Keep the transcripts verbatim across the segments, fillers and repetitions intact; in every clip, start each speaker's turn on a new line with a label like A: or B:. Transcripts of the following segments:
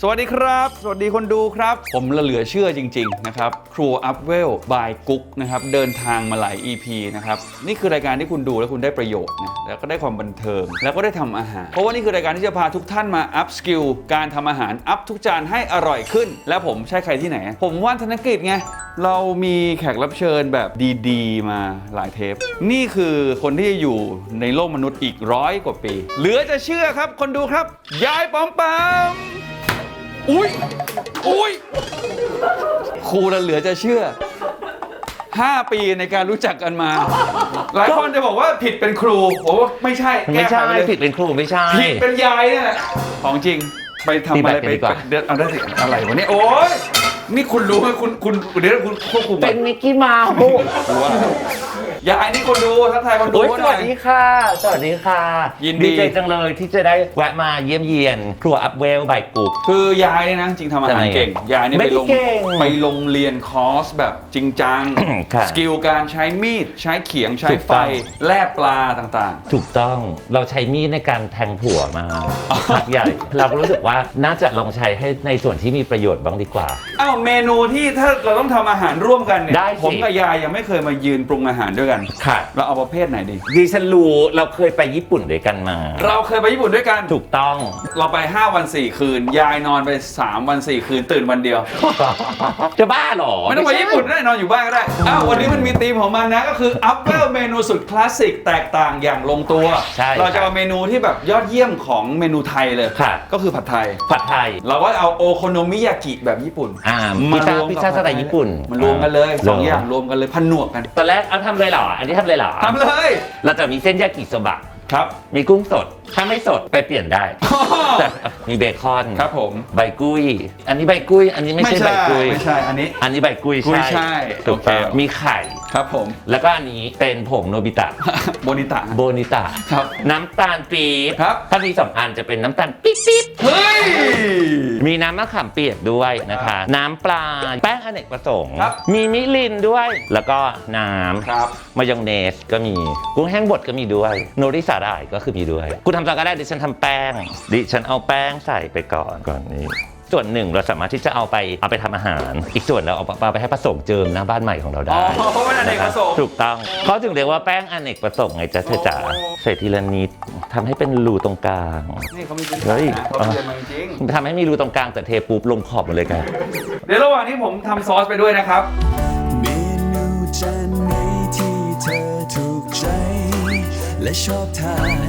A: สวัสดีครับสวัสดีคนดูครับผมเหลือเชื่อจริงๆนะครับครัวอัพเวลบายกุ๊กนะครับเดินทางมาหลาย อี พี นะครับนี่คือรายการที่คุณดูแล้วคุณได้ประโยชน์นะแล้วก็ได้ความบันเทิงแล้วก็ได้ทำอาหารเพราะว่านี่คือรายการที่จะพาทุกท่านมาอัพสกิลการทำอาหารอัพทุกจานให้อร่อยขึ้นแล้วผมใช่ใครที่ไหนผมว่านธนกฤษไงเรามีแขกรับเชิญแบบดีๆมาหลายเทปนี่คือคนที่อยู่ในโลกมนุษย์อีกร้อยกว่าปีเหลือจะเชื่อครับคนดูครับยายปอมปามอุ้ยอุ้ยครูเราเหลือจะเชื่อห้าปีในการรู้จักกันมาหลายคนจะบอกว่าผิดเป็นครูโอ้ไม่ใช่
B: ไม่ใช่ผิดเป็นครูไม่ใช่
A: ผิดเป็นยายเนี่ยแหละของจริงไปทำอะไรไปเดินเอาได้สิอะไรวะเนี่ยโอ้ยนี่คุณรู้ไหมคุณคุณเดี๋ยวคุณควบคุม
B: เป็นมิกกี้เมาส์
A: ยายนี่คนดูทักทายคนดู
B: สวัสดีค่ะสวัสดีค่ะยินดีใจจังเลยที่จะได้แวะมาเยี่ยมเยียนครัวอัพเวลบายกุ๊ก
A: คือยายเนี่ยนะจริงทำอาหารเก่งยายนี่ไปลงไปลงเรียนคอร์สแบบจริงจังสกิลการใช้มีดใช้เขียงใช้ไฟแล่ปลาต่าง
B: ๆถูกต้องเราใช้มีดในการแทงผัวมาพักใหญ่เราก็รู้สึกว่าน่าจะลองใช้ให้ในส่วนที่มีประโยชน์บ้างดีกว่า
A: อ้าวเมนูที่ถ้าเราต้องทำอาหารร่วมกันเนี่ยผมกับยายยังไม่เคยมายืนปรุงอาหารด้วยกัน
B: ค่ะ
A: เราเอาประเภทไหนดี
B: ดิฉันรู้เราเคยไปญี่ปุ่นด้วยกันมา
A: เราเคยไปญี่ปุ่นด้วยกัน
B: ถูกต้อง
A: เราไปห้าวันสี่คืนยายนอนไปสามวันสี่คืนตื่นวันเดียว
B: จะบ้าหรอ
A: ไม่ต้องไปญี่ปุ่นได้นอนอยู่บ้านก็ได้อ้าววันนี้มันมีธีมของมันนะก็คืออัพเวลเมนูสุดคลาสสิกแตกต่างอย่างลงตัวเราจะเอาเมนูที่แบบยอดเยี่ยมของเมนูไทยเลยก็คือผัดไทย
B: ผัดไทย
A: เราก็เอาโอโคโนมิยากิแบบญี่ปุ่น
B: มาพิซซ่าพิซซ่าสไตล์ญี่ปุ่น
A: มารวมกันเลยสองอย่างรวมกันเลยผนวกกัน
B: ตอนแรกเอาทำเลยเหรออันนี้ทำเลยเหรอ
A: ทำเลย
B: เราจะมีเส้นยากิโซบะ
A: ครับ
B: มีกุ้งสดถ้าไม่สดไปเปลี่ยนได้มีเบคอน
A: ครับผม
B: ใบกุ้ยอันนี้ใบกุ้ยอันนี้ไม่ใช่ใบกุ้ย
A: ไม่ใช่อันนี้
B: อันนี้ใบกุ้ย
A: ใช่
B: ถูกต้องมีไข่
A: ครับผม
B: แล้วก็อันนี้เป็นผงโนบิตะ
A: โบนิตะ
B: โบนิตะ
A: ครับ
B: น้ำตาลปี๊บ
A: ครับ
B: ถ้ามีสองอันจะเป็นน้ำตาลปี๊บปี๊บ
A: เฮ้ย
B: มีน้ำมะขามเปียกด้วยนะคะน้ำปลาแป้งอเนกประสงค์มีมิลินด้วยแล้วก็น้ำมายองเนสก็มีกุ้งแห้งบดก็มีด้วยโนริสาหร่ายก็คือมีด้วยคุณทำอะไรก็ได้ดิฉันทำแป้งดิฉันเอาแป้งใส่ไปก่อนก่อนนี้ส่วนหนึ่งเราสามารถที่จะเอาไปเอาไปทำอาหารอีกส่วนเราเอาไปให้ผสมเจิมหน้าบ้านใหม่ของเราได้
A: อ๋อเพราะมันอเนกประสงค์
B: ถูกต้องเขาถึงเรียกว่าแป้งอเนกประสงค์ไงจ๊ะเธอจ๋าใส่ทีละนิดทำให้เป็นรูตรงกลาง
A: นี่เขามีพื้นฐานนะเขาเรียนมาจริง
B: ทำให้มีรูตรงกลางแต่เทปุ๊บลงขอบหมดเลยกัน
A: เดี๋ยวระหว่างนี้ผมทำซอสไปด้วยนะครับ
C: เมนูจานไหนที่เธอถูกใจและชอบทาน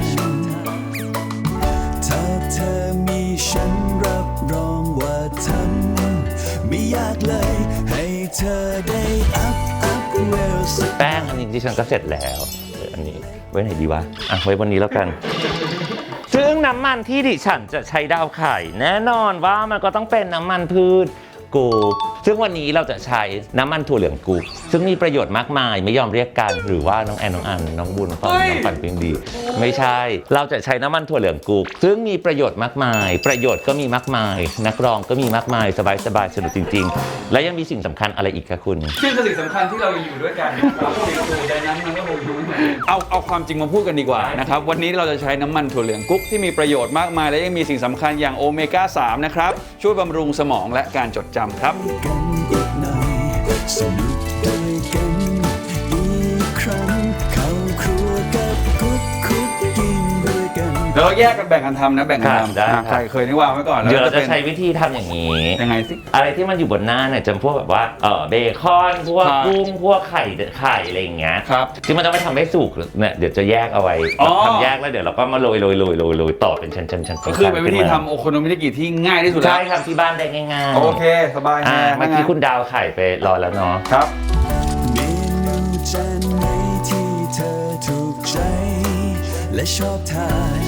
C: ถ้าเธอมีฉันรับรองว่าทำไม่ยากเลยให้เธอได้อัพอัพเวล
B: แป้งอันนี้ดิฉันก็เสร็จแล้วอันนี้ไว้ไหนดีวะอ่ะไว้บนนี้แล้วกันซึ่งน้ำมันที่ดิฉันจะใช้ดาวไข่แน่นอนว่ามันก็ต้องเป็นน้ำมันพืชกูซึ่งวันนี้เราจะใช้น้ำมันถั่วเหลืองกูซึ่งมีประโยชน์มากมายไม่ยอมเรียกกันหรือว่าน้องแอนน้องอันน้องบุญน้องปันน้องปันเป็นดีไม่ใช่เราจะใช้น้ำมันถั่วเหลืองกูซึ่งมีประโยชน์มากมายประโยชน์ก็มีมากมายนักร้องก็มีมากมายสบายสบายสนุกจริงๆและยังมีสิ่งสำคัญอะไรอีกคะคุณ
A: ซึ่งสิ่งสำคัญที่เราอยู่ด้วยกันอยู่ในนั้นมันก็คงอยู่เอาเอาความจริงมาพูดกันดีกว่านะครับวันนี้เราจะใช้น้ำมันถั่วเหลืองกุ๊กที่มีประโยชน์มากมายและยังมีสิ่งสำคัญอย่างโอเมก้าสามนะครับช่วยบำรุงสมองและการจดจำครับ
C: สนุกด้วยกันอีกครั้งเข้าครัวกับกุ๊กคุกกิ้งด้วยกัน
A: เราแยกกันแบ่งกันทำนะแบ่งกันทำ
B: ได้
A: ใครเคยนี่วางไว้ก่อน
B: เดี๋ยวเราจะใช้วิธีทำอย่างนี้
A: ยังไงสิ
B: อะไรที่มันอยู่บนหน้าเนี่ยจำพวกแบบว่าเออเบคอนพวกกุ้งพวกไข่ไข่อะไรอย่างเงี้ยที่มันจะไม่ทำให้สุกเนี่ยเดี๋ยวจะแยกเอาไว้ทำแยกแล้วเดี๋ยวเราก็มาโรยโรยโรยโรยโรยต่อเป็นชั้นชั้นชั้น
A: ก็คือเป็นวิธีทำโอโคโนมิยากิที่ง่ายที่สุด
B: ใช่ทำที่บ้านได้ง่าย
A: ๆโอเคสบายแน่
B: เมื่อกี้คุณดาวไข่ไปรอแล้วเนาะ
A: ครับ
C: เมนูจานไหนที่เธอถูกใจและชอบทาน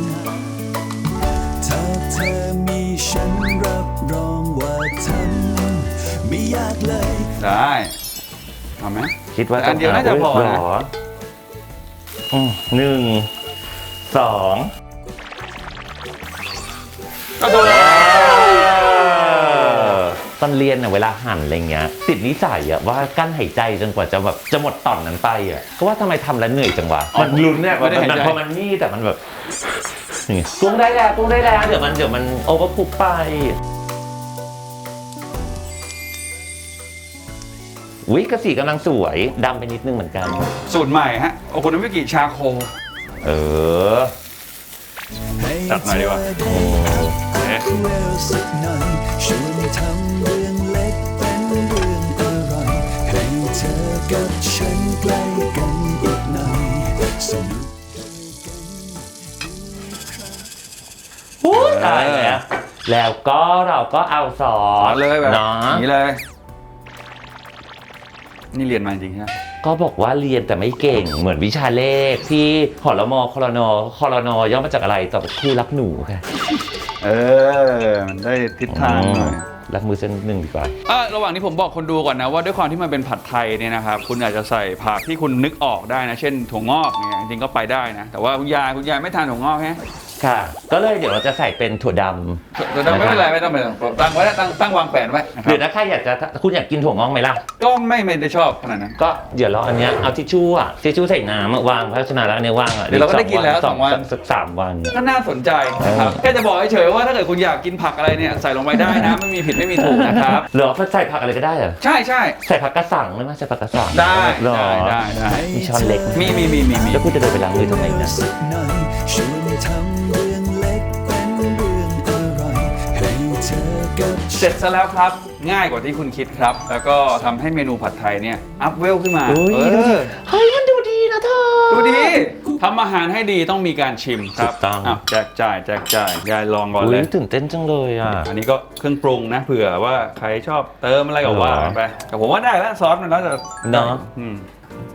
C: ถ้าเธอมีฉันรับรองว่าทำไม่ยากเลย
A: ได้เอาไหม
B: คิดว่า
A: อันเดียวน่าจะพอนะ
B: หนึ่งสอง
A: ก็โดน
B: ตอนเรียนเนี่ยเวลาหั่นอะไรเงี้ยติดนิสัยอะว่ากั้นหายใจจนกว่าจะแบบจะหมดตอนนั้นไปอะก็ว่าทำไมทำแล้วเหนื่อยจังวะมันลุ้นเนี่ยมันพอมันนี่แต่มันแบบกุ้งได้แล้วกุ้งได้แล้วเดี๋ยวมันเดี๋ยวมันโอเวอร์คุกไปวิกสีกำลังสวยดำไปนิดนึงเหมือนกัน
A: สูตรใหม่ฮะโอโคโนมิกิชาโค
B: เออ
A: จัดหน่อยดีกว่า
C: เวลสักหน่อยชวนทำเรื่องเล็กเป็นเรื่องอร่อยให้เธอกับฉันใกล้กันอีกหน่อยสนุก
B: อู้ตายแล้วแล้วก็เราก็เอาซอ
A: สอ
B: ส
A: นเลยแบบ
B: เนาะ
A: นี้เลย นี่เรียนมาจริงใช่ไหม
B: ก็บอกว่าเรียนแต่ไม่เก่งเหมือนวิชาเลขที่หอรมอคอรนคอรนย่อมาจากอะไรต่อครูรักหนูค่ะ
A: เออ มันได้ทิศทางหน่อย
B: รักมือเส้นหนึ่งดีกว่า
A: อ่ะระหว่างนี้ผมบอกคนดูก่อนนะว่าด้วยความที่มันเป็นผัดไทยเนี่ยนะครับคุณอาจจะใส่ผักที่คุณนึกออกได้นะ เช่นถั่วงอกเนี่ยจริงๆก็ไปได้นะ แต่ว่าคุณยายคุณยายไม่ทานถั่วงอกฮะ
B: ค่ะ ก็เลยเดี๋ยวเราจะใส่เป็นถั่วดำ
A: แต่ไม่เป็นไรไม่ต้องไปตั้งไว้ตั้งตั้งวางแผนไว้นะค
B: หรือ
A: รับ
B: ถ้าใครอยากจะคุณอยากกินถั่วงอกไหมล่ะ
A: ก็ไม่ไม่ได้ชอบขนาดนั้น
B: ก็เดี๋ยวเราอันเนี้ยเอาทิชชู่อะทิชชู่ใส่น้ำอะวางเพราะฉะนั้นแล้วอันเนี้ยวางอะ
A: เดี๋ยวเราก็ได้กินแล้วสองวัน
B: สักสามวัน
A: ก็น่าสนใจนะครับ
B: เออ
A: แค่จะบอกเฉยๆว่าถ้าเกิดคุณอยากกินผักอะไรเนี่ยใส่ลงไปได้นะ ไม่มีผิดไม่มีถูกนะครับ
B: เหรอใส่ผักอะไรก็ได้เหรอ
A: ใช่ใช่
B: ใส่ผักกระสังได้ไหมใส่ผักกระสัง
A: ได้
B: เหรอ
A: ได้ได้ได้
B: มีช้อนเล็กไหม
A: มีมีมีมีมี
B: แล้วคุณจะเดินไปล้างมือทำไมนะ
C: สักหน่อยชวนทำเรื่องเล็กเป็นเรื่องอร่อยให้เธอกับ
A: เสร็จซะแล้วครับ ง่ายกว่าที่คุณคิดครับ แล้วก็ทำให้เมนูผัดไทยเนี่ยอัพเวลขึ้นมา
B: อุ้ย
A: เอ
B: ดูดิ
A: อ
B: เฮ้ยมันดูดีนะเธอ
A: ดูดีทำอาหารให้ดีต้องมีการชิมครับ
B: ถูกต้อง
A: อ้าวแจกจ่ายแจกจ่ายยายลองก่อน
B: อุ้
A: เลย ย
B: ตื่นเต้นจังเลยอ่ะ
A: อันนี้ก็เครื่องปรุงนะเผื่อว่าใครชอบเติมอะไรก็ว่า
B: เหรอ
A: ไปแต่ผมว่าได้แล้วซอสมันแล้วจะ
B: เนาะ
A: อืม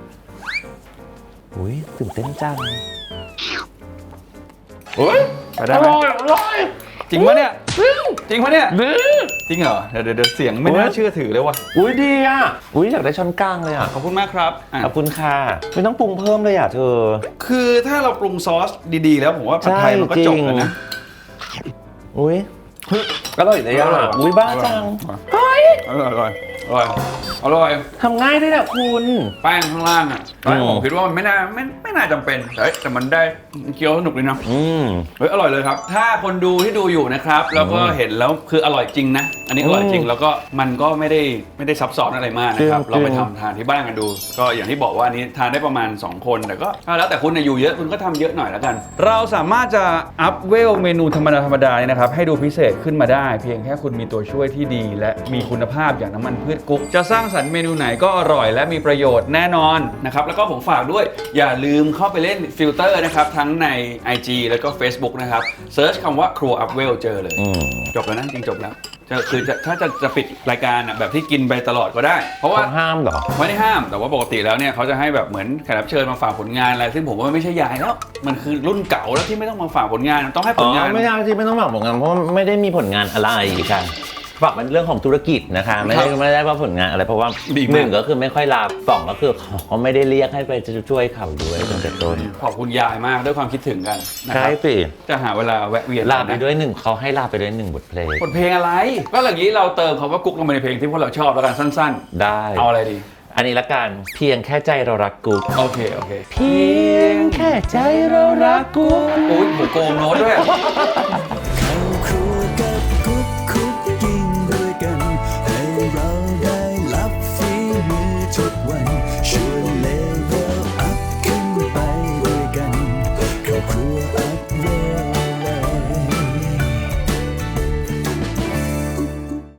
B: อุ้ยตื่นเต้นจัง
A: โอ้ยไปได้ไหม
B: อร่อย
A: จริงปะเนี่ยจริงปะเนี่ย
B: ดี
A: จริงเหรอเดี๋ยวเดี๋ยวเดี๋ยวเสียงไม่น่าเชื่อถือเลยว่ะ
B: อุ้ยดีอ่ะอุ้ยอยากได้ช้อนกลางเลยอ่ะ
A: ขอบคุณมากครับอ่ะ
B: ขอบคุณค่ะไม่ต้องปรุงเพิ่มเลยอ่ะเธอ
A: คือถ้าเราปรุงซอสดีๆ แล้วผมว่าผัดไทยมันก็จบแล้วนะ
B: อุ้ย
A: อร่อยเลยอ่ะ
B: อุ้ยบ้าจัง
A: อร่อยอร่อยอร่อยอร่อย
B: ทำง่ายด้วยนะคุณ
A: แป้งข้างล่างอ่ะตอนแรก
B: อืม
A: ผมคิดว่ามันไม่น่าไม่ไม่น่าจำเป็นแต่เอ้ยแต่มันได้เคี้ยวสนุกเลยนะ
B: อืม
A: เฮ้ยอร่อยเลยครับ ถ้าคนดูที่ดูอยู่นะครับแล้วก็เห็นแล้วคืออร่อยจริงนะ อันนี้อร่อยจริง
B: อืม
A: แล้วก็มันก็ไม่ได้ไม่ได้ซับซ้อนอะไรมากนะครับ
B: จริง
A: เราไปทำทานที่บ้านกันดู ก็อย่างที่บอกว่าอันนี้ทานได้ประมาณสองคนแต่ก็แล้วแต่คุณนะอยู่เยอะคุณก็ทำเยอะหน่อยแล้วกัน เราสามารถจะอัพเวลเมนูธรรมดาธรรมดาเนี่ยนะครับให้ดูพิเศษขึ้นมาได้ เพียงแค่คุณมีตัวช่วยที่ดี และมีคุณภาพอย่างน้ำมันพืชกุ๊กจะสร้างสรรค์เมนูไหนก็อร่อยและมีประโยชน์แน่นอนนะครับแล้วก็ผมฝากด้วยอย่าลืมเข้าไปเล่นฟิลเตอร์นะครับทั้งใน ไอ จี แล้วก็ Facebook นะครับเซิร์ชคำว่าครัวอัพเวลเจอเลย
B: อืม
A: จบแล้วนะจริงจบแล้วจะคือจะถ้าจะจะปิดรายการอ่ะแบบที่กินไปตลอดก็ได้ เพราะว่า
B: ต้องห้ามเหรอ
A: ไม่ได้ห้ามแต่ว่าปกติแล้วเนี่ยเขาจะให้แบบเหมือนแขกรับเชิญมาฝากผลงานอะไรซึ่งผมว่าไม่ใช่ยายแล้ว มันคือรุ่นเก่าแล้วที่ไม่ต้องมาฝากผลงานต้องให้ผ
B: อ๋
A: ล
B: อง
A: าน
B: ไม่ใช่ที่ไม่ต้องบอกผลงานเพราะไม่ได้มีผลงานอะไรค่ะฝากเป็นเรื่องของธุรกิจนะคะไม่ได้ไม่ได้ว่าผลงานอะไรเพราะว่าหนึ่งก็คือไม่ค่อยลาสองก็คือเขาไม่ได้เรียกให้ไปช่วยเขาด้วยตั้งแต่ต้น
A: ขอบคุณยายมากด้วยความคิดถึงกันนะค
B: ใช่
A: รับ
B: สิ
A: จะหาเวลาแวะเวียน
B: ลาไป
A: นะ
B: ด้วยหนึ่งเขาให้ลาไปด้วยหนึ่งบทเพลง
A: บทเพลงอะไร ก็อย่างนี้เราเติมคำว่ากุ๊กลงไปในเพลงที่พวกเราชอบแล้วกันสั้น
B: ได้
A: ๆ เอาอะไรดี
B: อันนี้ละกันเพียงแค่ใจเรารักกู
A: โอเคโอเค
B: เพียงแค่ใจเรารักกู
A: อุ้ยผมโกงโน้ตด้วย
C: เข้าครัวกับกุ๊กคุกกิ้งด้วยกัน ให้เราได้รับฝีมือทุกวันชวนเลเวลอัพขึ้นไปด้วยกันเข้าครัว